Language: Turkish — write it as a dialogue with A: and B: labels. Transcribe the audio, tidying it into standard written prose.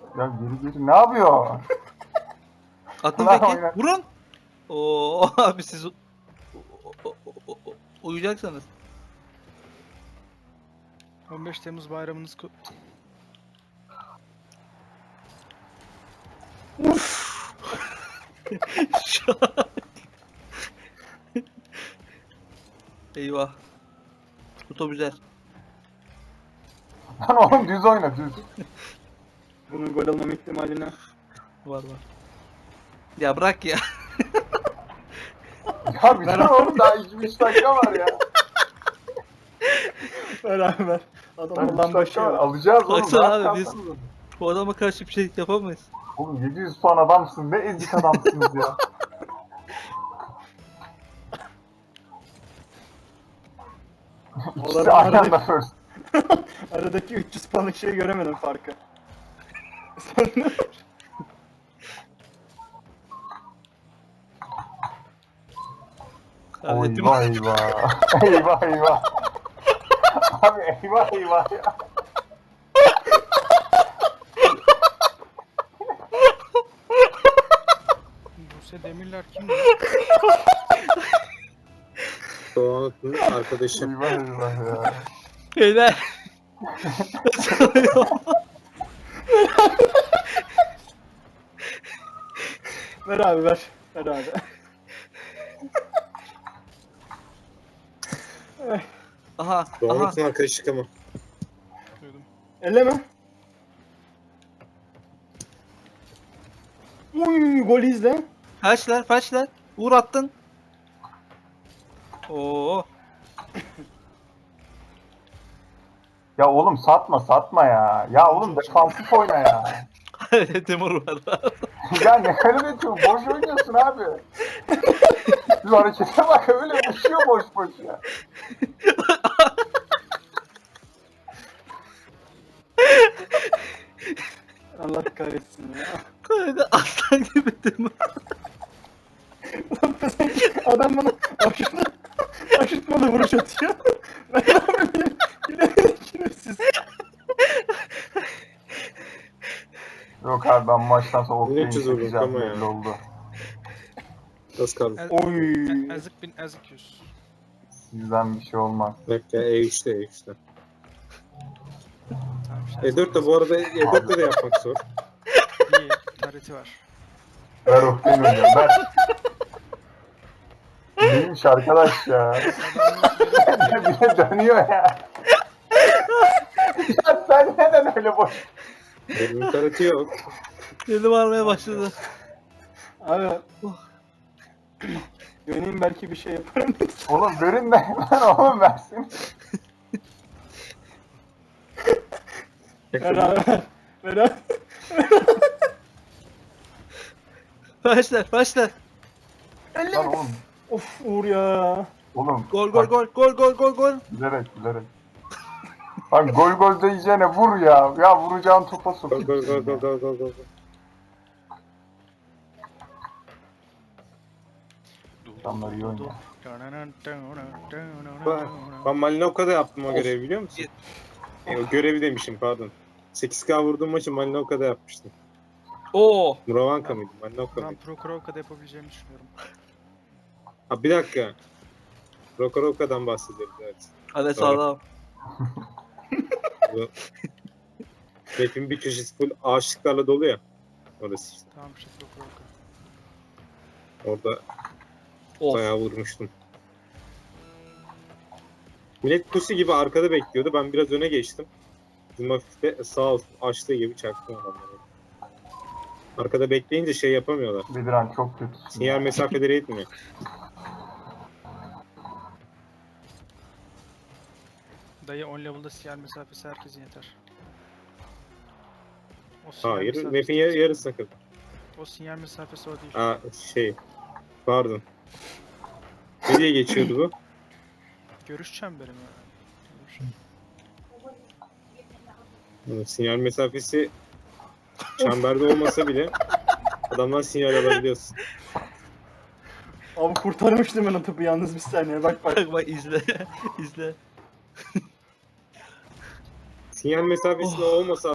A: Ya geri ne yapıyor?
B: Atın
A: Lan
B: peki.
A: oyna.
B: Vurun. Oo abi siz uyuyacaksınız.
C: 15 Temmuz bayramınız
B: Şu an- Eyvah. Bu top güzel.
A: Lan oğlum düz oyna düz.
D: Bunun gol olmama ihtimaline.
B: Var. Ya bırak ya.
A: Ya bir dur oğlum daha 2-3 dakika var ya.
D: Ver abi ver. Adam
A: Lan 3
D: Allah'ın
A: dakika
D: başı
A: var.
D: ya.
A: Alacağız oğlum.
B: Baksana
A: rahat
B: abi, biz-
A: kalsanıza.
B: Bu adama karşı bir şey yapamayız.
A: Oğlum 700 puan adamsın. Ne ezik adamsınız ya. İkisi
D: Onların
A: aynı
D: arada-
A: anda first.
D: Aradaki 300 puanlık şeyi göremedim farkı.
A: Oy
B: Hallettim.
A: eyvah eyvah. Eyvah eyvah. Abi eyvah eyvah ya.
C: Buse Demirler kimdi?
E: Doğan'ın arkadaşı.
A: Eyvah eyvah ya.
B: Beyler.
D: Ver abi ver. Ver abi.
B: Aha.
E: Doğan'ın arkadaşı ama.
C: Duydum.
D: Elleme. Uy gol izle.
B: Felçler. Uğur attın. Oo.
A: Ya oğlum satma ya. Ya oğlum defansif oyna ya.
B: Timur var.
A: Ya ne kadar çok boş oynuyorsun abi. Şu harekete bak öyle uçuyor boş ya.
D: Allah kahretsin ya.
B: Kanka aslan gibi Timur.
D: Adam bana aşırtmalı vuruş atıyor. Ben ne yapayım? Yine siz.
A: Yok abi ben maçtan sonra Oktay'ın
E: 1300 vurduk
A: çekeceğim
E: ama ya.
A: belli oldu.
E: Az kaldı.
D: Oy.
C: Ezik bin ezik yüz.
A: Sizden bir şey olmaz.
E: Bekle E3'te.
C: Tamam işte.
E: E4 de bu arada E4'te de yapmak zor.
C: İyi. Tarihti var.
A: Ver Oktay'ın oynuyorum ver. Neymiş arkadaş ya. Bir de dönüyor ya. Ya sen neden öyle boş?
E: Benim tarafı yok.
B: Dedim varmaya başladı.
D: Abi. Döneyim belki bir şey yaparım.
A: Oğlum görünme lan oğlum versin.
D: Ver abi ver. Ver abi.
B: Felçler.
A: Lan oğlum.
D: Of Uğur ya.
A: Oğlum.
B: Gol.
A: bak, Bilerek. Lan gol diyeceğine vur ya. Ya vuracağın topa sok.
E: Gol.
A: Adamlar iyi oynuyor.
E: Ben Malinovka'da yaptım o görevi biliyor musun? O görevi demişim pardon. 8K vurduğum maçı Malinovka'da yapmıştım.
B: Oo.
E: Muravanka mıydı? Malinovka
C: Ben
E: mıydı?
C: Prokorovka'da yapabileceğimi düşünüyorum.
E: Ha bir dakika. Rokorovka'dan bahsediyoruz evet.
B: Hadi sağlam.
E: Bu map'in bir köşesi full ağaçlıklarla dolu ya. Orası işte.
C: Tamam işte Prokorovka.
E: Orada
B: Of.
E: bayağı vurmuştum. Millet pusu gibi arkada bekliyordu. Ben biraz öne geçtim. Bizim hafif de sağ olsun açtığı gibi çaktım adamları. Arkada bekleyince şey yapamıyorlar.
A: Bediran çok kötü.
E: Sinyal mesafeleri etmiyor.
C: Dayı 10 level'da sinyal mesafesi herkesin yeter. O sinyal
E: Hayır,
C: mesafesi-
E: map'in yarısına kadar.
C: O sinyal mesafesi o değil.
E: Aa şey, pardon. Ne diye geçiyordu bu?
C: Görüş çemberi mi?
E: Sinyal mesafesi çemberde olmasa bile adamdan sinyal alabiliyorsun.
D: Abi kurtarmıştım ben o topu yalnız bir saniye bak.
B: Bak izle. İzle.
E: Sinyal mesafesi olmasa